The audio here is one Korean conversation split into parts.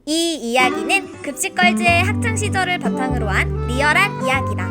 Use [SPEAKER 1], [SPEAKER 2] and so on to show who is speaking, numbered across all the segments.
[SPEAKER 1] 이 이야기는 급식걸즈의 학창시절을 바탕으로 한 리얼한 이야기다.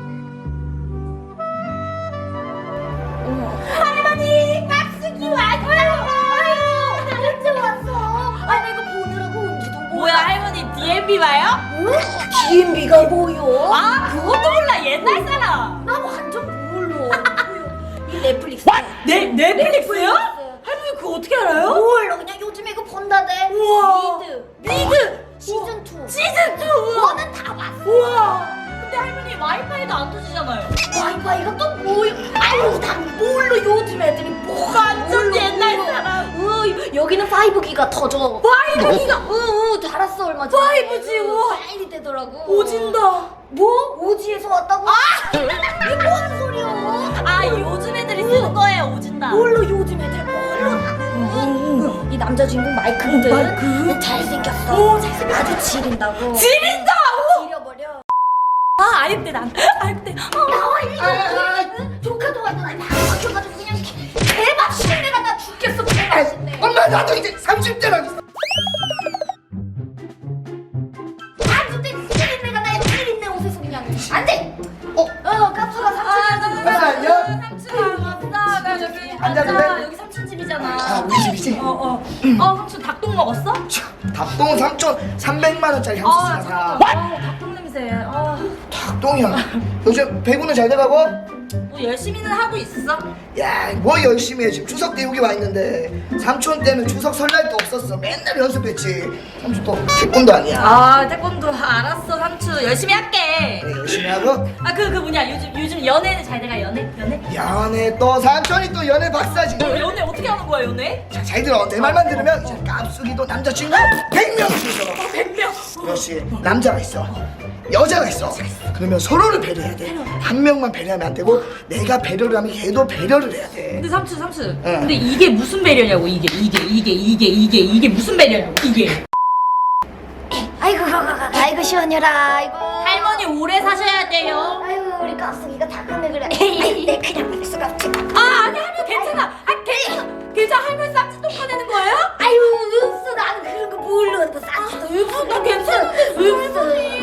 [SPEAKER 2] 할머니! 깍두기 왔어요! 아유! 언제 왔어? 아니 내가 보느라고 온지도 몰라.
[SPEAKER 3] 뭐야 할머니 DMB 봐요?
[SPEAKER 2] 응? DMB가 뭐요?
[SPEAKER 3] 아 그것도 몰라 옛날 사람.
[SPEAKER 2] 나 완전 몰라. 이 넷플릭스.
[SPEAKER 3] 넷플릭스요? 할머니 그거 어떻게 알아요?
[SPEAKER 2] 몰라 그냥 요즘에 이거 본다대.
[SPEAKER 3] 우와.
[SPEAKER 2] 미드 시즌 2.
[SPEAKER 3] 시즌 2.
[SPEAKER 2] 너는 다 봤어.
[SPEAKER 3] 우와. 근데 할머니 와이파이도 안 터지잖아요.
[SPEAKER 2] 와이파이가 또 뭐요? 아유 난 몰라 요즘 애들이 뭐가
[SPEAKER 3] 완전 옛날 사람.
[SPEAKER 2] 여기는 5G가 터져.
[SPEAKER 3] 5G가?
[SPEAKER 2] 응 달았어 얼마 전에.
[SPEAKER 3] 5G, 우와.
[SPEAKER 2] 빨리 되더라고.
[SPEAKER 3] 오진다.
[SPEAKER 2] 뭐? 오지에서 왔다고? 이게 뭔 소리야?
[SPEAKER 3] 아 요즘 애들이 쓰는 거예요 오진다.
[SPEAKER 2] 몰라 요즘 애들 몰라. 이 남자 주인공 마이크거든. 잘생겼어.
[SPEAKER 3] 오, 잘생겼어.
[SPEAKER 2] 아주 지린다고.
[SPEAKER 3] 지린다.
[SPEAKER 2] 지려버려.
[SPEAKER 3] 아 아닙대 난. 아닙대.
[SPEAKER 2] 나와 이거. 조카도 왔는데 막 막혀가지고 그냥 개맛있네. 나 죽겠어. 개맛있네.
[SPEAKER 4] 엄마 나도 이제 30대라고.
[SPEAKER 2] 30대 찌린내가 나의 찌린내 옷에서 그냥 안 돼. 깝수가 삼촌이한테
[SPEAKER 4] 깝수 안녕?
[SPEAKER 3] 삼촌 왔어. 나 여기
[SPEAKER 4] 앉아도 돼?
[SPEAKER 3] 여기 삼촌 집이잖아.
[SPEAKER 4] 아 우리 집이지?
[SPEAKER 3] 삼촌 닭똥 먹었어?
[SPEAKER 4] 닭똥은 300만 원짜리 향수 사사.
[SPEAKER 3] 닭똥 냄새.
[SPEAKER 4] 닭똥이야. 요즘 배구는 잘 돼가고?
[SPEAKER 3] 뭐 열심히는 하고 있어.
[SPEAKER 4] 야, 뭐 열심히 해. 지금 추석 때 여기 와 있는데 삼촌 때는 추석 설날도 없었어. 맨날 연습했지. 삼촌 또 태권도 아니야.
[SPEAKER 3] 태권도 알았어 삼촌 열심히 할게.
[SPEAKER 4] 네, 열심히 하고.
[SPEAKER 3] 그 뭐냐 요즘 연애는 잘 돼가 연애?
[SPEAKER 4] 연애 또 삼촌이 또 연애 박사지.
[SPEAKER 3] 연애 어떻게 하는 거야 연애?
[SPEAKER 4] 자, 잘 들어. 내 말만 들으면 이제 깝수기도 남자친구 100명 있어.
[SPEAKER 3] 100명.
[SPEAKER 4] 그렇지. 남자가 있어. 여자가 있어. 그러면 서로를 배려해야 돼. 한 명만 배려하면 안 되고 내가 배려를 하면 얘도 배려를 해야 돼.
[SPEAKER 3] 근데 삼촌
[SPEAKER 4] 응.
[SPEAKER 3] 근데 이게 무슨 배려냐고 이게 무슨 배려냐고 이게.
[SPEAKER 2] 아이고 시원해라. 아이고.
[SPEAKER 3] 할머니 오래 사셔야 돼요.
[SPEAKER 2] 아이고 우리 깝수기가 다 크네 그래. 아이, 내 그냥 볼 수가 없지.
[SPEAKER 3] 아니 할머니 괜찮아. 괜찮아 할머니 쌈짓돈 꺼내는 거예요?
[SPEAKER 2] 아유 은수 나는 그런 거 몰라. 뭐 쌈짓도
[SPEAKER 3] 은수 나 괜찮은데
[SPEAKER 2] 은수.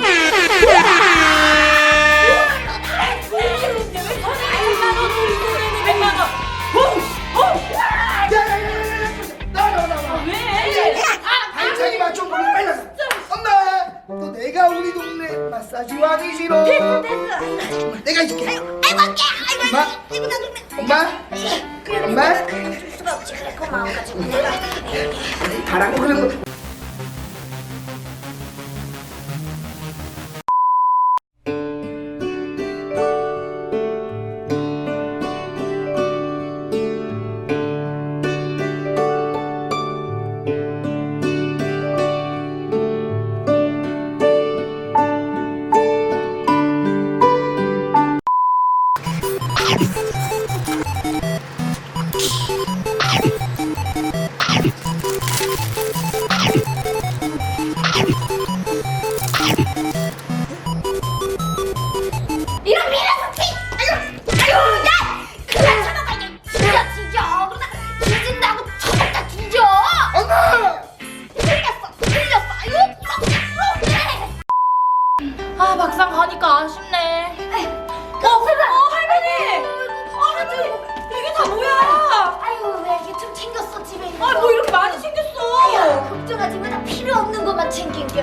[SPEAKER 4] 한창이만 좀 멀리 빨리. 엄마, 또 내가 우리 동네 마사지 와주시러.
[SPEAKER 2] 됐어.
[SPEAKER 4] 내가 해줄게.
[SPEAKER 2] 아이고 할게.
[SPEAKER 4] 엄마,
[SPEAKER 2] 아이고 나 동네.
[SPEAKER 4] 엄마,
[SPEAKER 2] 그래
[SPEAKER 4] 엄마.
[SPEAKER 2] 줄 수가 없지. 그래 고마워 가지고 내가.
[SPEAKER 4] 바라고 그런 거.
[SPEAKER 2] 이런 미라스티! 아유, 야! 그만 쳐먹어 이게 뒤져. 그러다 뒤진다고 쳐먹다 뒤져.
[SPEAKER 4] 엄마.
[SPEAKER 2] 틀렸어. 아유, 이렇게.
[SPEAKER 3] 막상 가니까 아쉽네. 할머니. 이게 다 뭐야?
[SPEAKER 2] 아유, 왜 이렇게 좀 챙겼어 집에 있는 거.
[SPEAKER 3] 뭐 이렇게 많이 생겼어.
[SPEAKER 2] 아유, 걱정하지 마. 나 필요 없는 것만 챙길게.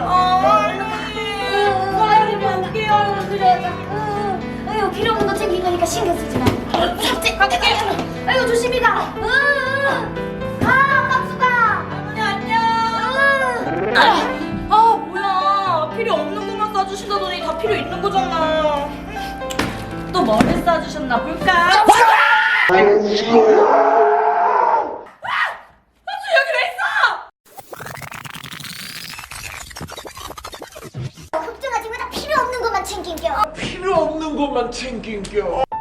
[SPEAKER 3] 빨리 먹게요.
[SPEAKER 2] 그래. 아유, 필요 없는 거 챙긴 거니까 신경 쓰지 마.
[SPEAKER 3] 갈게.
[SPEAKER 2] 아유, 조심히 가. 가, 깝수가.
[SPEAKER 3] 할머니 안녕. 뭐야 필요 없는 것만 싸주신다더니 다 필요 있는 거잖아. 또 뭐를 싸주셨나 볼까? 삼촌 여기 왜 있어?
[SPEAKER 2] 걱정하지 마. 나 필요 없는 것만 챙길게.
[SPEAKER 4] 필요 없는 것만 챙긴겨.